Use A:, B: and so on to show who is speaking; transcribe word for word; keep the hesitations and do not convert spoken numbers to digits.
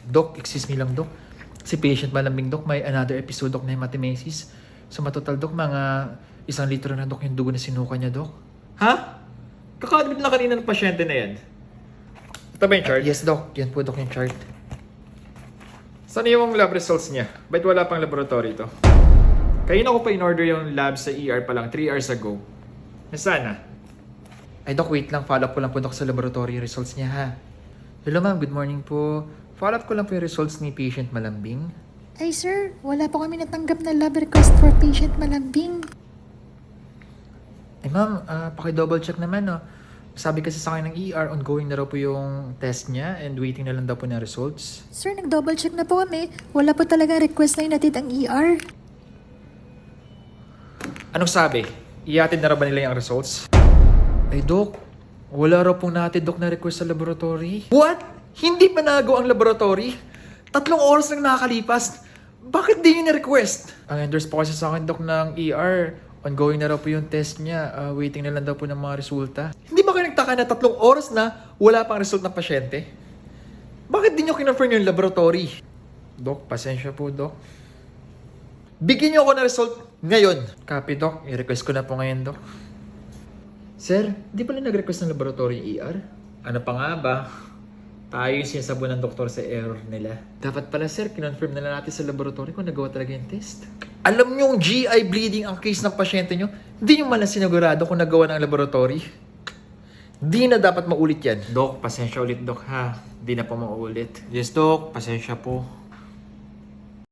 A: Doc, excuse me lang, Doc. Si patient malambing, Doc, may another episode, Doc, na hematemesis. So, matotal, Doc, mga isang litro na, Doc, yung dugo na sinuka niya, Doc.
B: Ha? Kaka-admit na kanina ng pasyente na yan. Ito ba yung chart?
A: Uh, yes, Doc. Yan po, Doc, yung chart.
B: Saan yung lab results niya? Ba't wala pang laboratory ito? Kanina ko pa in-order yung lab sa E R pa lang three hours ago. Nasaan na?
A: Ay, Doc, wait lang. Follow up ko lang po, Doc, sa laboratory yung results niya, ha? Hello, ma'am. Good morning po. Follow up ko lang po yung results ni patient malambing.
C: Ay sir, wala po kami natanggap na lab request for patient malambing.
A: Ay, ma'am, uh, paki-double check naman, no? Sabi kasi sa akin ng E R, ongoing na raw po yung test niya and waiting na lang daw po ng results.
C: Sir, nag-double check na po kami. Wala po talaga request na inatid ang E R.
B: Anong sabi? Iatid na raw ba nila yung results?
A: Ay, Doc, wala raw pong natin, Doc, na request sa laboratory. What? Hindi pa nagawa ang laboratory? Tatlong oras lang nakakalipas. Bakit di nyo na-request? Ang endorse po kasi sa akin, Doc, ng E R. Ongoing na raw po yung test niya. Uh, waiting na lang daw po ng mga resulta.
B: Hindi ba kayo nagtaka na tatlong oras na wala pang result ng pasyente? Bakit di nyo kinonfirm yung laboratory?
A: Doc, pasensya po, Doc.
B: Bigyan nyo ako ng result ngayon.
A: Copy, Doc. I-request ko na po ngayon, Doc. Sir, di pala nag-request ng laboratory yung E R?
B: Ano pa nga ba? Tayo yung sinasabi ng doktor sa error nila.
A: Dapat pala, sir, kinonfirm na lang natin sa laboratory kung nagawa talaga yung test.
B: Alam nyo yung G I bleeding ang case ng pasyente nyo, hindi nyo malang sinigurado kung nagawa ng laboratory. Di na dapat maulit yan.
A: Doc, pasensya ulit, Doc, ha? Di na po maulit.
B: Yes, Doc. Pasensya po.